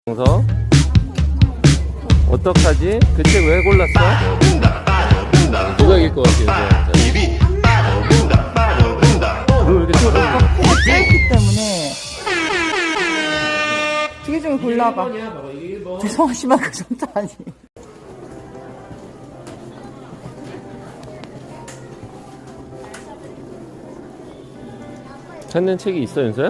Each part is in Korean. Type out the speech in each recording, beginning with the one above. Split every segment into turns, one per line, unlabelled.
영서 어떡하지? 그 책 왜 골랐어? 누가 이길 것 같아요? 너 왜 이렇게 쳐다보냐?
짧기 때문에 두 개 중에 골라봐. 죄송하지만 그 정도 아니에요.
찾는 책이 있어, 윤서야?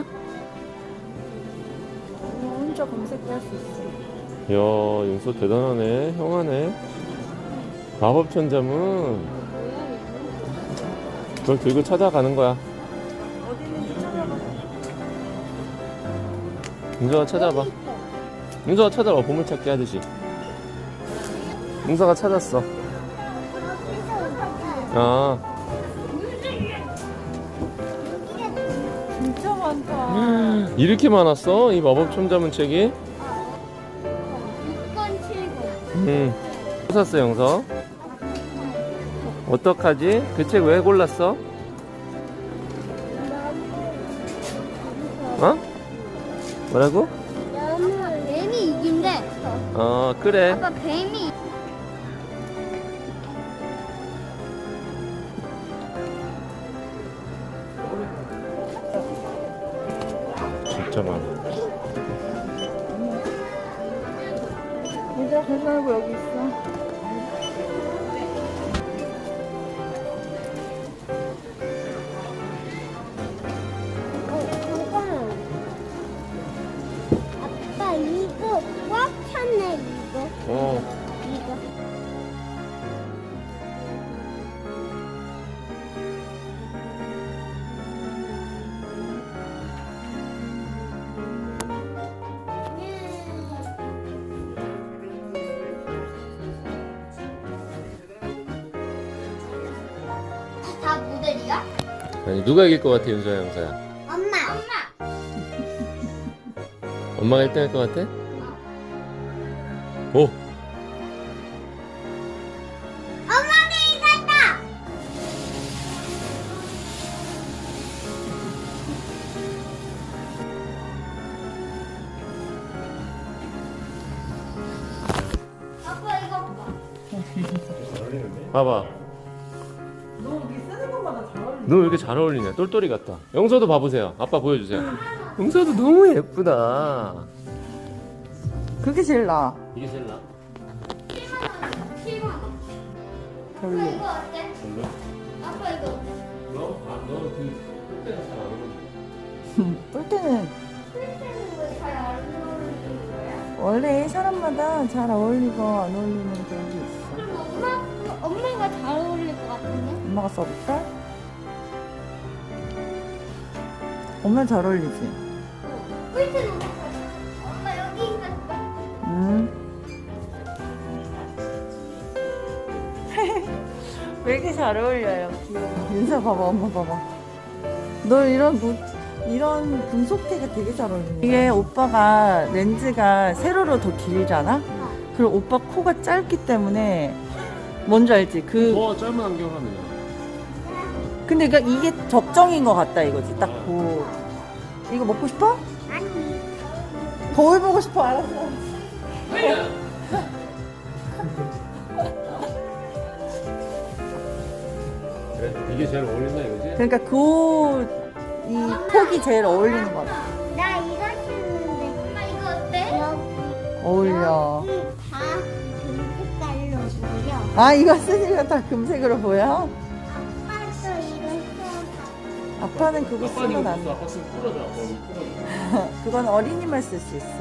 혼자 검색할 수 있어.
이야, 윤서 대단하네. 형하네. 마법천자문. 그걸 들고 찾아가는 거야.
어디 있는지 찾아봐.
윤서가 찾아봐. 윤서가 찾아봐. 보물찾기 하듯이. 윤서가 찾았어. 아,
진짜 많다.
이렇게 많았어? 이 마법천자문 책이?
6권 7권.
또 샀어, 영서. 어떡하지? 그 책 왜 골랐어? 어? 뭐라고?
뱀이 이긴대.
그래.
아빠 뱀이.
진짜 많아.
얘들아 계산하고 여기 있어.
잠깐만. 아빠 이거 꽉 찼네 이거. 이거. 다 모델이야?
아니, 누가 이길 것 같아, 윤서야, 영서야?
엄마.
엄마가 1등 할 것 같아? 오!
엄마가 이겼다. 아빠 이거 봐.
봐봐.
너 여기 쓰는 것마다 잘 어울린다.
너 왜 이렇게 잘 어울리냐? 똘똘이 같다. 영서도 봐보세요. 아빠 보여주세요. 영서도 너무 예쁘다.
그게 제일 나아.
이게 제일 나?
7만 원. 아빠
별로.
이거 어때?
별로?
아빠 이거 어때?
너그 똘똘이가 잘 안 어울려.
볼 때는
필테는 왜잘안 어울리는 거야?
원래 사람마다 잘 어울리고 안 어울리는 그런 게 있어.
그럼 엄마가 잘 어울릴 것 같은데?
엄마가 써볼까? 엄마 잘 어울리지?
필테는 엄마 여기 있었다.
왜 이렇게 잘 어울려요? 귀여워. 윤서 봐봐, 엄마 봐봐. 너 이런 금속태가 되게 잘 어울리네. 이게 오빠가 렌즈가 세로로 더 길잖아? 그리고 오빠 코가 짧기 때문에 뭔지 알지?
더 짧은 안경 하면
근데 그러니까 이게 적정인 것 같다 이거지. 딱 보. 이거 먹고 싶어?
아니.
거울 보고 싶어. 알았어.
그래? 이게 제일 어울린다 이거지?
그러니까 이 턱이 제일 어울리는 것 같아.
나 이거 신는데. 엄마 이거 어때? 여기.
어울려.
여기 다 금색깔로 보여.
아, 이거 쓰니까 다 금색으로 보여?
아빠도 이거 써.
아빠는 그거 쓰면 안 돼.
아빠 쓰면 풀어줘. 아빠 풀어줘.
그건 어린이만 쓸 수 있어.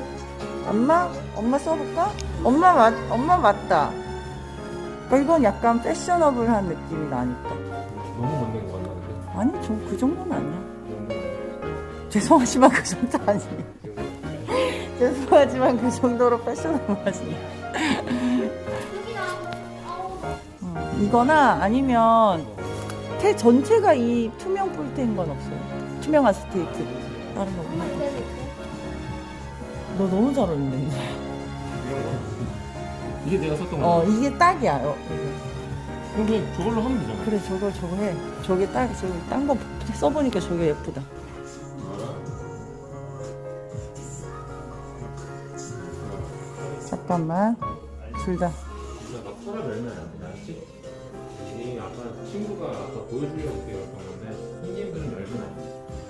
엄마 써볼까? 엄마 맞다. 이건 약간 패셔너블한 느낌이 나니까.
너무 멋있는 거 같나는데?
아니, 좀 그 정도는 아니야. 죄송하지만 그 정도 아니에요. 죄송하지만 그 정도로 패셔너블하지.
여기 나오고.
이거나 아니면 테 전체가 이 투명 폴대인 건 없어요. 투명한 스테이크. 다른 거 없나? 너 너무 잘 어울리네.
이게 내가 썼던 거.
이게 딱이야. 이거.
그럼 그냥 저걸로 하면 되잖아.
그래, 저거 해. 저게 딱, 딴 거 써보니까 저게 예쁘다. 잠깐만. 둘 다.
막 털을 열면 안 돼, 알았지? 이 아까 친구가 아까 보여주려고 이렇게 열었던 건데 손님들은 열면 안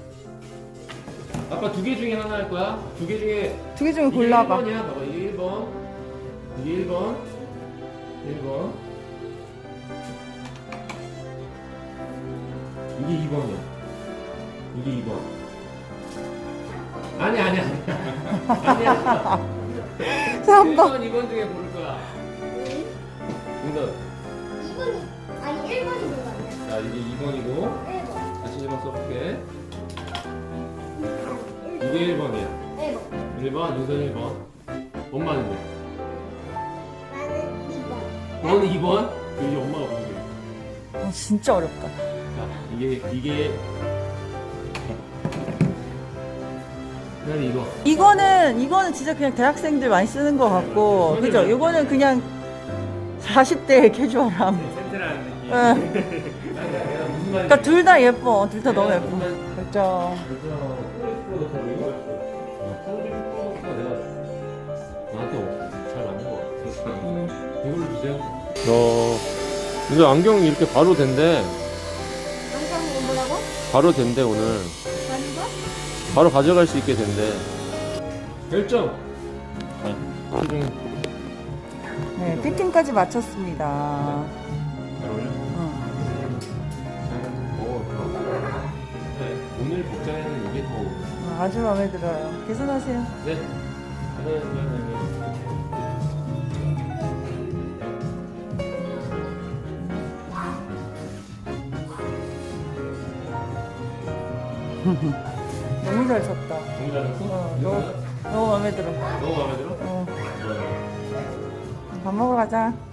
돼. 아빠 두 개 중에 하나 할 거야? 두 개 중에
두 개 중에
이게
골라봐.
1번이야. 봐봐, 이게 1번. 이게 1번. 1번. 이게 2번이야. 이게 2번. 아니야. 아니야.
3번.
1번, 2번 중에 고를 거야. 응답.
2번이 아니 1번이 뭐야?
자, 이게 2번이고
1번.
다시 1번 써볼게. 이게 1번이야.
1번.
1번, 윤선 1번. 엄마는데?
나는 2번.
너는 2번? 그 이제 엄마가 보는 게.
진짜 어렵다.
자, 이게 그다음에 이거.
이거는 진짜 그냥 대학생들 많이 쓰는 것 같고, 그죠? 이거는 그냥 40대 캐주얼함.
센트라는 느낌.
응.
아니, 내가 무슨 말인지.
그러니까 둘 다 예뻐. 둘 다 너무 예뻐. 그죠?
나한테 잘 맞는 거 같아. 이걸로 주세요. 이제 안경이 이렇게 바로 된대.
안경 뭐라고?
바로 된대 오늘.
아닌 거?
바로 가져갈 수 있게 된대. 결정.
네, 피팅까지 마쳤습니다.
잘 어울려?
응.
네, 오늘 복장에는 이게 더 어울려.
아주 마음에 들어요. 계산하세요.
네.
너무 잘 쳤다.
너무 잘했어?
너무 마음에 들어.
너무 마음에 들어?
밥 먹으러 가자.